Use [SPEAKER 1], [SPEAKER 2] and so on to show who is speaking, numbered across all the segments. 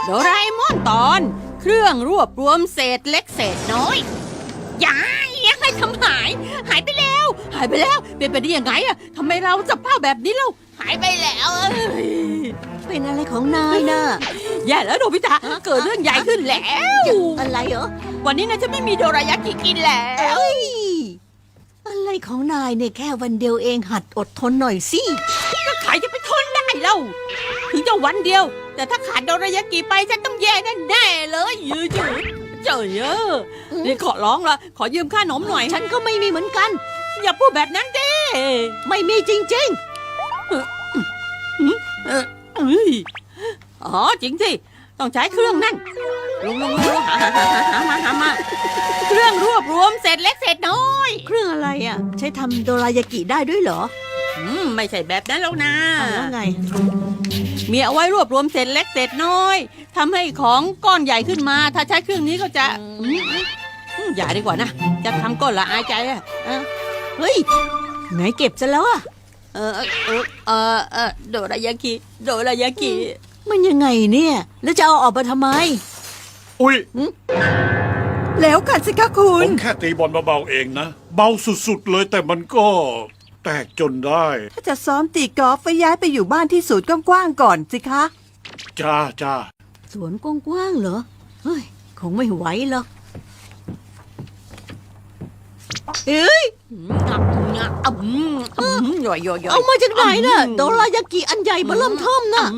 [SPEAKER 1] โดราเอมอนตอนเครื่องรวบรวมเศษเล็กเศษน้อยยายยังไงทำหายไปแล้วเป็นไปได้ยังไงอะทำไมเราสภาพแบบนี้เราหายไปแล้ว
[SPEAKER 2] เป็นอะไรของนายน่ะ
[SPEAKER 1] แย่แล้วโนบิตะเกิดเรื่องใหญ่ขึ้นแล้ว
[SPEAKER 2] อะไรเหรอ
[SPEAKER 1] วันนี้นะจะไม่มีโดรายากิกินแล้ว
[SPEAKER 2] อะไรของนายเนี่ยแค่วันเดียวเองหัดอดทนหน่อยสิ
[SPEAKER 1] ก็ใครจะไปทนได้เล่าถึงจะวันเดียวแต่ถ้าขาดโดรายากิไปฉันต้องแย่แน่เลยยืดเจ๋อนี่ขอร้องละขอยืมค่าขนมหน่อย
[SPEAKER 2] ฉันก็ไม่มีเหมือนกัน
[SPEAKER 1] อย่าพูดแบบนั้นดิ
[SPEAKER 2] ไม่มีจริง
[SPEAKER 1] ๆอ๋อจริงสิต้องใช้เครื่องนั่นลงหามาเครื่องรวบรวมเศษเล็กเศษน้อย
[SPEAKER 2] เครื่องอะไรอ่ะใช้ทำโดรายากิได้ด้วยเหรอ
[SPEAKER 1] ไม่ใช่แบบนั้นแล้วนะ
[SPEAKER 2] แล้วไง
[SPEAKER 1] มีเอาไว้รวบรวมเศษเล็กเศษน้อยทำให้ของก้อนใหญ่ขึ้นมาถ้าใช้เครื่องนี้ก็จะอย่าดีกว่านะจะทำก้อนละอายใจอ่ะ
[SPEAKER 2] เฮ้ยไหนเก็บซะแล้วอ่ะ
[SPEAKER 1] โดรายากิ
[SPEAKER 2] มันยังไงเนี่ยแล้วจะเอาออกมาทำไม
[SPEAKER 3] อุ๊ย
[SPEAKER 2] แล้วกันสิคะคุ
[SPEAKER 3] ผ
[SPEAKER 2] ณ
[SPEAKER 3] มแค่ตีบอลเบาๆเองนะเบาสุดๆเลยแต่มันก็แตกจนได้
[SPEAKER 2] ถ้าจะซ้อมตีกอล์ฟไปย้ายไปอยู่บ้านที่สวนกว้างๆก่อนสิคะ
[SPEAKER 3] จ้า
[SPEAKER 2] สวนกว้างๆเหรอเฮ้ยคงไม่ไหวหรอกเอ้ยเอามาจากไหนน่ะโดรายากิอันใหญ่เบ้อเริ่มเทิ่มน่ะ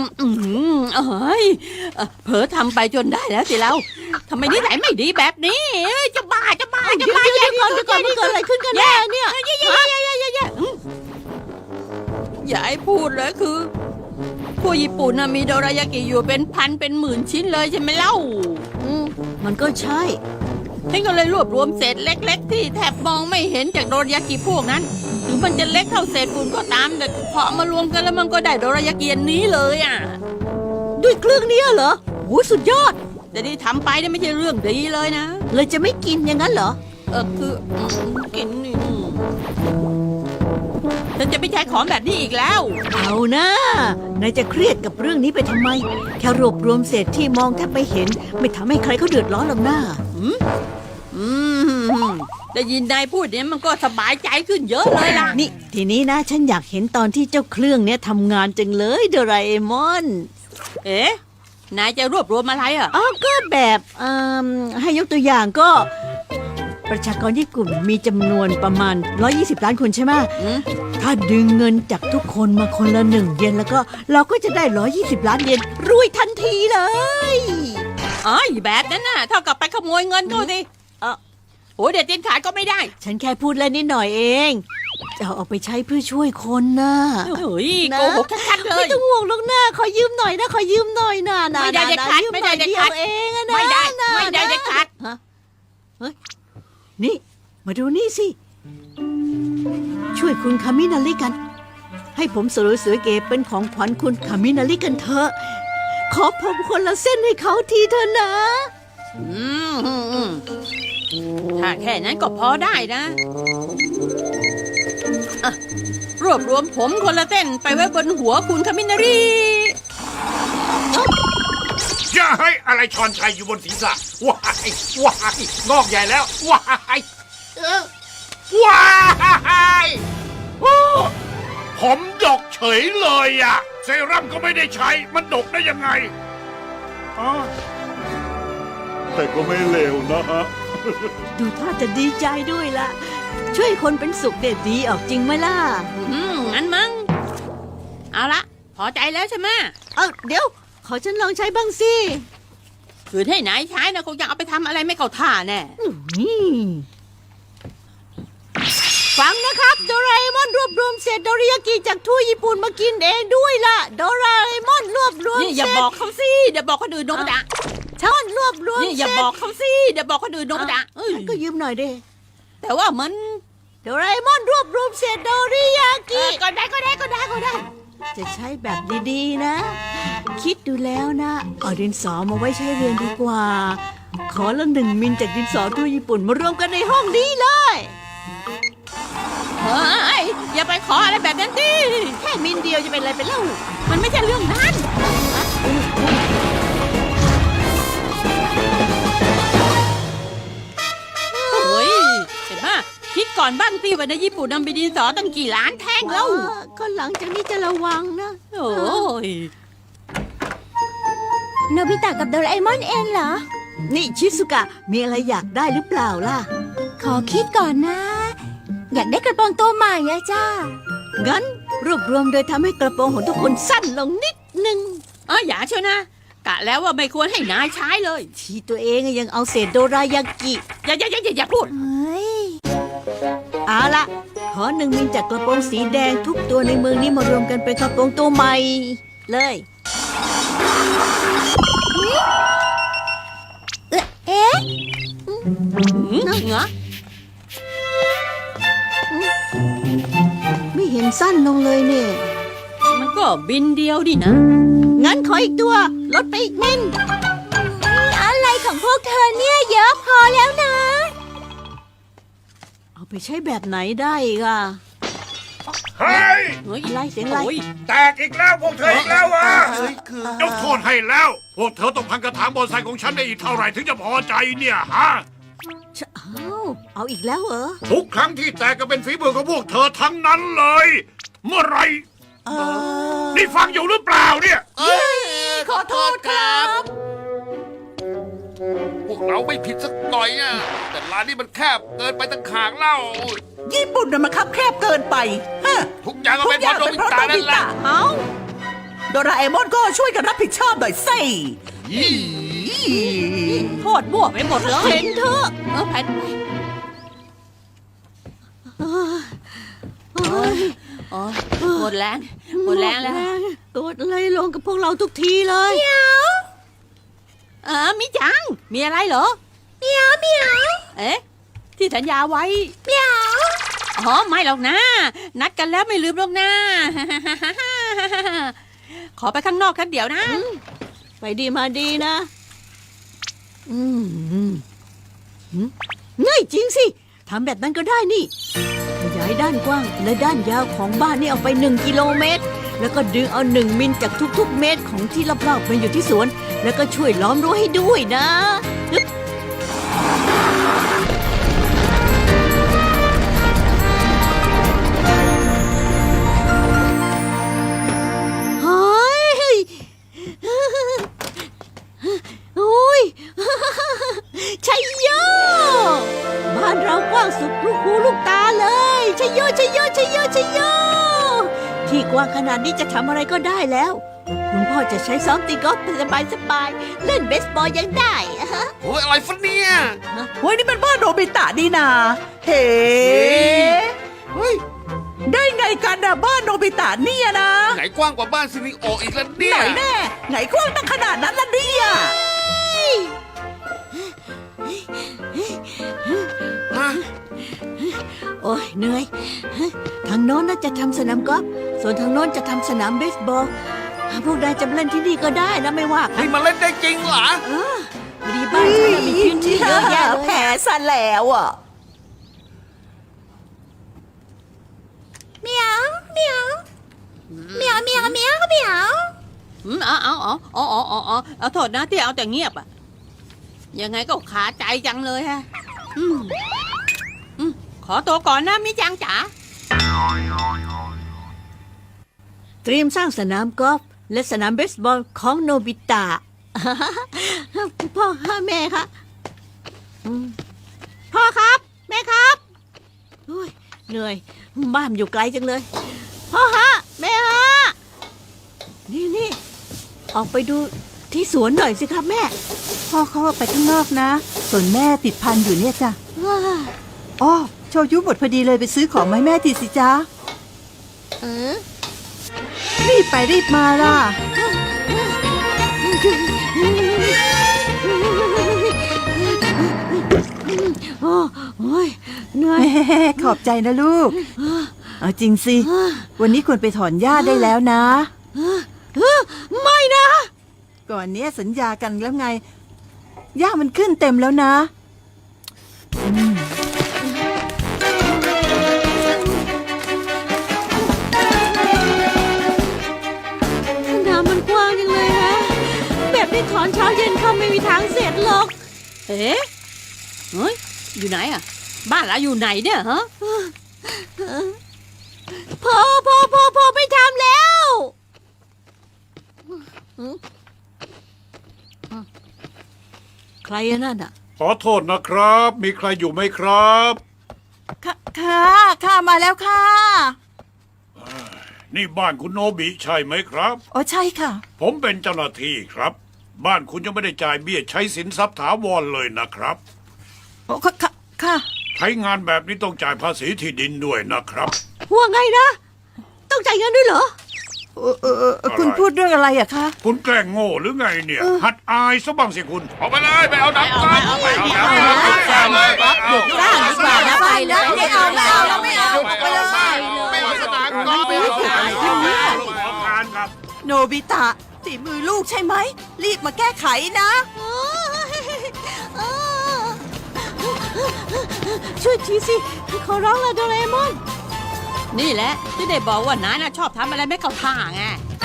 [SPEAKER 1] เผลอทำไปจนได้แล้วสิเราทำไมนิสัยไม่ดีแบบนี้จะบ้า
[SPEAKER 2] เดี๋ยวก่อนมันเกิดอะไรขึ้นกันแน่เนี่ย
[SPEAKER 1] อย่าให้พูดเลยคือผู้ญี่ปุ่นมีโดรายากิอยู่เป็นพันเป็นหมื่นชิ้นเลยใช่ไหมเล่า
[SPEAKER 2] มันก็ใช่
[SPEAKER 1] ฉันก็เลยรวบรวมเศษเล็กๆที่แทบมองไม่เห็นจากโดรายากิพวกนั้นถึงมันจะเล็กเท่าเศษฝุ่นก็ตามแต่พอมารวมกันแล้วมันก็ได้โดรายากิอันนี้เลยอ่ะ
[SPEAKER 2] ด้วยเครื่องนี้เหรอโหสุดยอด
[SPEAKER 1] แต่ที่ทำไปเนี่ยไม่ใช่เรื่องดีเลยนะ
[SPEAKER 2] เลยจะไม่กินอย่างนั้นเหรอ
[SPEAKER 1] คือกินนี่ฉันจะไม่ใช้ของแบบนี้อีกแล้ว
[SPEAKER 2] เอานะนายจะเครียดกับเรื่องนี้ไปทำไมแค่รวบรวมเศษที่มองแทบไม่เห็นไม่ทำให้ใครเขาเดือดร้อนหรอกนะ
[SPEAKER 1] ได้ยินนายพูดเนี่ยมันก็สบายใจขึ้นเยอะเลยล่ะ
[SPEAKER 2] นี่ทีนี้นะฉันอยากเห็นตอนที่เจ้าเครื่องเนี้ยทำงานจังเลยโดราเอมอน
[SPEAKER 1] นายจะรวบรวมอะไรอ่ะ
[SPEAKER 2] ก็แบบให้ยกตัวอย่างก็ประชากรญี่ปุ่นมีจำนวนประมาณ120ล้านคนใช่ไหมถ้าดึงเงินจากทุกคนมาคนละ1 เยนแล้วก็เราก็จะได้120ล้านเยนรวยทันทีเลย
[SPEAKER 1] แบบนั้นน่ะเท่ากับไปขโมยเงินเขาสิโอ้เด็ดเด็ดขาดก็ไม่ได้
[SPEAKER 2] ฉันแค่พูดเล่นนิดหน่อยเองจะเอาไปใช้เพื่อช่วยคนนะ
[SPEAKER 1] เฮ้ยโกหกชัดๆเลย
[SPEAKER 2] ไม่ต้องห่วงหรอกนะขอยืมหน่อยนะ
[SPEAKER 1] ไม่ได้เด็ดขาดไม่ได้เด็ดขาด
[SPEAKER 2] เองนะ
[SPEAKER 1] ไม่ได้เด็ดขาด
[SPEAKER 2] เฮ้ยนี่มาดูนี่สิช่วยคุณคามินาริกันให้ผมสวยๆเก๋เป็นของขวัญคุณคามินาริกันเถอะขอผมคนละเส้นให้เขาทีเถอะนะ
[SPEAKER 1] ถ้าแค่นั้นก็พอได้นะรวบรวมผมคนละเส้นไปไว้บนหัวคุณคามินาริ
[SPEAKER 3] อย่าให้อะไรชอนชัยอยู่บนศีรษะว้ายงอกใหญ่แล้วว้ายผมดกเฉยเลยอ่ะเซรั่มก็ไม่ได้ใช้มันดกได้ยังไงแต่ก็ไม่เลวนะฮะ
[SPEAKER 2] ดูท่าจะดีใจด้วยล่ะช่วยคนเป็นสุขเด็ดดีออกจริงไหมล่ะ
[SPEAKER 1] งั้นมั้งเอาละพอใจแล้วใช่ไหม
[SPEAKER 2] เดี๋ยวขอฉันลองใช้บ้างสิ
[SPEAKER 1] คือให้นายใช้นะคงจะเอาไปทำอะไรไม่เข้าท่าแน่
[SPEAKER 2] ฟังนะครับโดราเอมอนรวบรวมเศษโดริยากิจากทั่วญี่ปุ่นมากินเองด้วยล่ะโดราเอมอนรวบรวม
[SPEAKER 1] นี่อย่าบอกเขาสิเดี๋ยวบอกคนอื่นโนบิตะ
[SPEAKER 2] ช่อนรวบรวม
[SPEAKER 1] นี่อย่าบอกเขาสิเดี๋ยวบอกคนอื่นโนบิตะ
[SPEAKER 2] ก็ยืมหน่อยดิ
[SPEAKER 1] แต่ว่ามัน
[SPEAKER 2] โดราเอมอนรวบรวมเศษโดริยากิ
[SPEAKER 1] ก็ได้
[SPEAKER 2] จะใช้แบบดีๆนะคิดดูแล้วนะเอาดินสอมาไว้ใช้เรียนดีกว่าขอละ1 มิลจากดินสอทั่วญี่ปุ่นมารวมกันในห้องนี้เลย
[SPEAKER 1] อย่าไปขออะไรแบบนั้นดิ
[SPEAKER 2] แค่มิลเดียวจะเป็นอะไรไปเล่า
[SPEAKER 1] มันไม่ใช่เรื่องนั้นอนบ้างสิว่าในญี่ปุ่นนำไปดินสอตั้งกี่ล้านแท่งแล้ว
[SPEAKER 2] ก็หลังจากนี้จะระวังนะ
[SPEAKER 1] โอ้ย
[SPEAKER 4] โนบิตะกับโดราเอมอนเองเหรอ
[SPEAKER 2] นี่ชิสุกะมีอะไรอยากได้หรือเปล่าล่ะ
[SPEAKER 4] ขอคิดก่อนนะ อยากได้กระโปรงตัวใหม่อะจ้า
[SPEAKER 2] งั้นรวบรวมโดยทำให้กระโปรงของทุกคนสั้นลงนิดนึง
[SPEAKER 1] อย่าเชียวนะ กะแล้วว่าไม่ควรให้นายใช้เลย
[SPEAKER 2] ที่ตัวเองยังเอาเศษโดรายากิ
[SPEAKER 1] อย่าพูด
[SPEAKER 4] เฮ้ย
[SPEAKER 2] เอาละขอ1 มิลจากกระโปรงสีแดงทุกตัวในเมืองนี้มารวมกันเป็นกระโปรงตัวใหม่เลย
[SPEAKER 4] เอ๊ะ
[SPEAKER 1] เหรอ
[SPEAKER 2] ไม่เห็นสั้นลงเลยเนี่ย
[SPEAKER 1] มันก็บินเดียวดินะ
[SPEAKER 2] งั้นขออีกตัว ลดไปอีกมิล
[SPEAKER 4] อะไรของพวกเธอเนี่ยเยอะพอแล้วนะ
[SPEAKER 2] เอาไปใช้แบบไหนได้อีกอ่ะ
[SPEAKER 3] เฮ้ย
[SPEAKER 1] เฮ้ย
[SPEAKER 2] อะไรเสียงอะไร
[SPEAKER 1] โอ้ย
[SPEAKER 3] แตกอีกแล้วพวกเธออีกแล้วอ่ะ
[SPEAKER 5] คือย
[SPEAKER 3] กโทษให้แล้ว พวกเธอต้องพังกระถางบอนไซของฉันได้อีกเท่าไหร่ถึงจะพอใจเนี่ยฮะ
[SPEAKER 2] เอาอีกแล้วเหรอ
[SPEAKER 3] ทุกครั้งที่แตกก็เป็นฝีมือของพวกเธอทั้งนั้นเลย เมื่อไหรนี่ฟังอยู่หรือเปล่าเนี่ย
[SPEAKER 5] ขอโทษครับ พวกเราไม่ผิดสักหน่อยอ่ะ แต่ร้านนี้มันแคบเกินไปตั้งขางเล่า
[SPEAKER 6] ญี่ปุ่นน่ะมันคับแคบเกินไปฮะ
[SPEAKER 5] ทุกอย่างก็เป็นเพราะโดมิตานั่นแหละ
[SPEAKER 6] เอ้าโดราเอมอนก็ช่วยกันรับผิดชอบหน่อยสิ
[SPEAKER 5] ยี่
[SPEAKER 1] โทษมั่วไปหมดเลย
[SPEAKER 2] เห็นเถอะ
[SPEAKER 1] แผ่น
[SPEAKER 2] โอ้ย
[SPEAKER 1] หมดแรงแล้ว
[SPEAKER 2] กดอะไรลงกับพวกเราทุกทีเลย
[SPEAKER 1] มิจัง มีอะไรเหรอ
[SPEAKER 4] เมียวเมียว
[SPEAKER 1] เอ๊ะ ที่สัญญาไว้
[SPEAKER 4] เมียว
[SPEAKER 1] ไม่หรอกนะ นัดกันแล้วไม่ลืมหรอกนะ ขอไปข้างนอกแค่เดี๋ยวนะ
[SPEAKER 2] ไปดีมาดีนะง่ายจริงสิทำแบบนั้นก็ได้นี่ขยายด้านกว้างและด้านยาวของบ้านนี่ออกไป1 กิโลเมตร แล้วก็ดึงเอา1 มิลจากทุกๆ เมตรของที่รอบๆมาอยู่ที่สวน แล้วก็ช่วยล้อมรั้วให้ด้วยนะเฮ้ยโอ้ยชัยโยบ้านเรากว้างสุดลูกหูลูกตาเลยชัยโยชัยโยชัยโยชัยโยที่กว้างขนาดนี้จะทำอะไรก็ได้แล้ว คุณพ่อจะใช้ซ้อมตีกอล์ฟสบายๆเล่นเบสบอลยังได้
[SPEAKER 5] โอ้ยอะไรฟันเนี่ย
[SPEAKER 6] เฮ้ยนี่เป็นบ้านโนบิตะนี่นาเฮ้เฮ้ยได้ไงกันนะบ้านโนบิตะเนี่ยนะ
[SPEAKER 5] ไหนกว้างกว่าบ้านซิริโออีกแล้วเนี่
[SPEAKER 6] ไห
[SPEAKER 5] ย
[SPEAKER 6] นแน่ไหนกว้างตั้งขนาดนั้นล่ะเนี่ย
[SPEAKER 5] ฮะ
[SPEAKER 2] โอ้ยเหนื่อยทางโน้นน่าจะทำสนามกอล์ฟส่วนทางโน้นจะทำสนามเบสบอลพวกนายจะมาเล่นที่นี่ก็ได้นะไม่ว่ากัน
[SPEAKER 5] นี่มันเล่นได้จริงเหรอ
[SPEAKER 2] พอดีบ้านฉันน่ะมีพื้นที่เยอะแยะเลย
[SPEAKER 6] แพ้ซะแล้วอ่ะ
[SPEAKER 4] เมียวเมียวเมียวเมียวเมียวเมียว
[SPEAKER 1] เอาโทษนะที่เอาแต่เงียบอ่ะ ยังไงก็ขาใจจังเลยฮะ ขอตัวก่อนนะมิจังจ๋า
[SPEAKER 2] เตรียมสร้างสนามกอล์ฟและสนามเบสบอลของโนบิตะ พ่อแม่คะพ่อครับ แม่ครับโอ้ยเหนื่อยบ้านอยู่ไกลจังเลย พ่อฮะแม่ฮะนี่ออกไปดูที่สวนหน่อยสิครับแม่
[SPEAKER 7] พ่อเขาออกไปข้างนอกนะ ส่วนแม่ติดพันอยู่เนี่ยจ้ะ
[SPEAKER 2] ว้า
[SPEAKER 7] อ๋อโชยุหมดพอดีเลยไปซื้อของมาให้แม่ทีสิจ้ารีบไปรีบมาล่ะ
[SPEAKER 2] โอ้ยเหนื่อย
[SPEAKER 7] แม่ขอบใจนะลูก เอาจริงสิ วันนี้ควรไปถอนหญ้าได้แล้วนะ
[SPEAKER 2] ไม่นะ
[SPEAKER 7] ก่อนเนี้ยสัญญากันแล้วไง หญ้ามันขึ้นเต็มแล้วนะ
[SPEAKER 2] น้ำมันกว้างจังเลยนะแบบนี้ถอนเช้าเย็นเข้าไม่มีทางเสร็จหรอก
[SPEAKER 1] เอ๊ะ เฮ้ย อยู่ไหนอ่ะบ้านเราอยู่ไหนเนี่ยฮะ
[SPEAKER 2] พอไม่ทำแล้ว ใครอะนั่นอ่ะ
[SPEAKER 3] ขอโทษนะครับ มีใครอยู่ไหมครับ
[SPEAKER 7] ค่ะมาแล้วค่ะ
[SPEAKER 3] นี่บ้านคุณโนบิใช่ไหมครับ
[SPEAKER 7] อ๋อใช่ค่ะ
[SPEAKER 3] ผมเป็นเจ้าหน้าที่ครับ บ้านคุณยังไม่ได้จ่ายเบี้ยใช้สินทรัพย์ถาวรเลยนะครับ
[SPEAKER 7] อ๋อค่ะ
[SPEAKER 3] ใช้งานแบบนี้ต้องจ่ายภาษีที่ดินด้วยนะครับ
[SPEAKER 2] ว่าไงนะ ต้องจ่ายเงินด้วยเหรอ
[SPEAKER 7] คุณพูดเรื่องอะไรอะคะ
[SPEAKER 3] คุณแกล้งโง่หรือไงเนี่ย หัดอายซะบ้างสิคุณ
[SPEAKER 5] เอาไปเลยไปเอาน้ำกัน
[SPEAKER 1] เอาไป
[SPEAKER 5] เอา
[SPEAKER 1] เอา
[SPEAKER 5] น้ำ
[SPEAKER 1] ไป
[SPEAKER 5] กัน
[SPEAKER 1] เอาไป
[SPEAKER 5] ไปเอา
[SPEAKER 1] หยุดร่างดีกว่านะไปเลย
[SPEAKER 7] ไม่เอาเราไม่เอา
[SPEAKER 5] ไปเอาไปเอาสนามกอล์ฟไปเอา
[SPEAKER 3] ขอการครับ
[SPEAKER 7] โนบิตะฝีมือลูกใช่ไหม รีบมาแก้ไขนะ
[SPEAKER 2] ช่วยทีสิ ขอร้องละโดเรมอน
[SPEAKER 1] นี่แหละที่ได้บอกว่านายน่ะชอบทำอะไรไม่เข้าท่าไง